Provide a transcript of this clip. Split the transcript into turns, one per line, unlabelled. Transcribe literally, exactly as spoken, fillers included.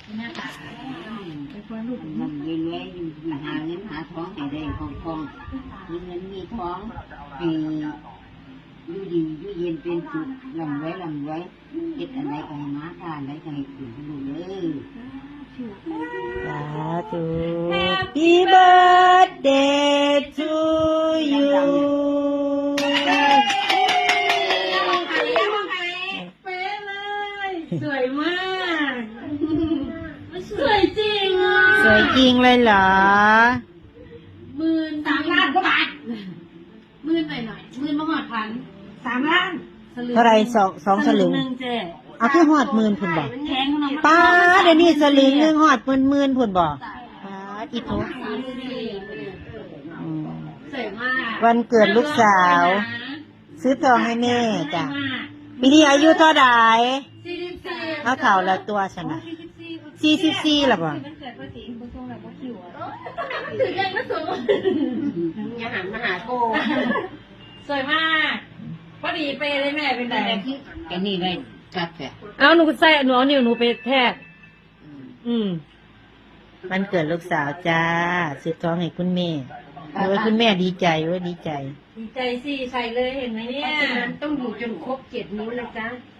แม่จ๋าเป็นคนลูก
เงินรวยๆหาเงินหาทองให้ได้คล่องๆมีเงินมีทองให้อยู่ดีอยู่เย็นเป็นสุขลำไว้ลำไว้เฮ็ดอะไรก็ให้มาทานได้ก็ให้กินลูกเด้อ
สาธุ Happy birthday to you
เป๊ะเลยสวยมากสวยจริงอ่ะ
สวยจริงเลยเหรอ
หมื่นสามล้านกว่าบาทหมื่นหน่อยหน่อยหมื่นมาหอดพันสามล้าน
เท่าไรสองสองสลึง
หนึ่งเจ๊
เอาคือหอดหมื่นพุ่นบอก
แพงเนาะ
ป้าเดี๋ยวนี้สลึงหนึงหอดหมื่นหมื่นพุ่นบอกป้าอีโตอืม
สวยมาก
วันเกิดลูกสาว ซื้อทองให้แม่จ้ะปีนี้อายุเท่าไหร่
สี่สิบสี่
เอาเท่าละตัวชนะสี่สิบสี่หรอบ่
มันเกิดภาษีคุณทรงแบบว่าคิวอ่ะถือยังไม่สูง
อย่าหันมาหาโก
สวยมากพอดีเปเลยแม่เป็นไง
แกนี่ได้จัดแท้
เอาหนูใส่หนูเอานิ้วหนูไปแทกอืม
วันเกิดลูกสาวจ้าซื้อทองให้คุณแม่โอ้ยคุณแม่ดีใจโอ้ยดีใจ
ดีใจสิใส่เลยเห็นไหมเนี่ย
เพราะฉะนั้นต้องอยู่จนครบเจ็ดนิ้วนะจ๊ะ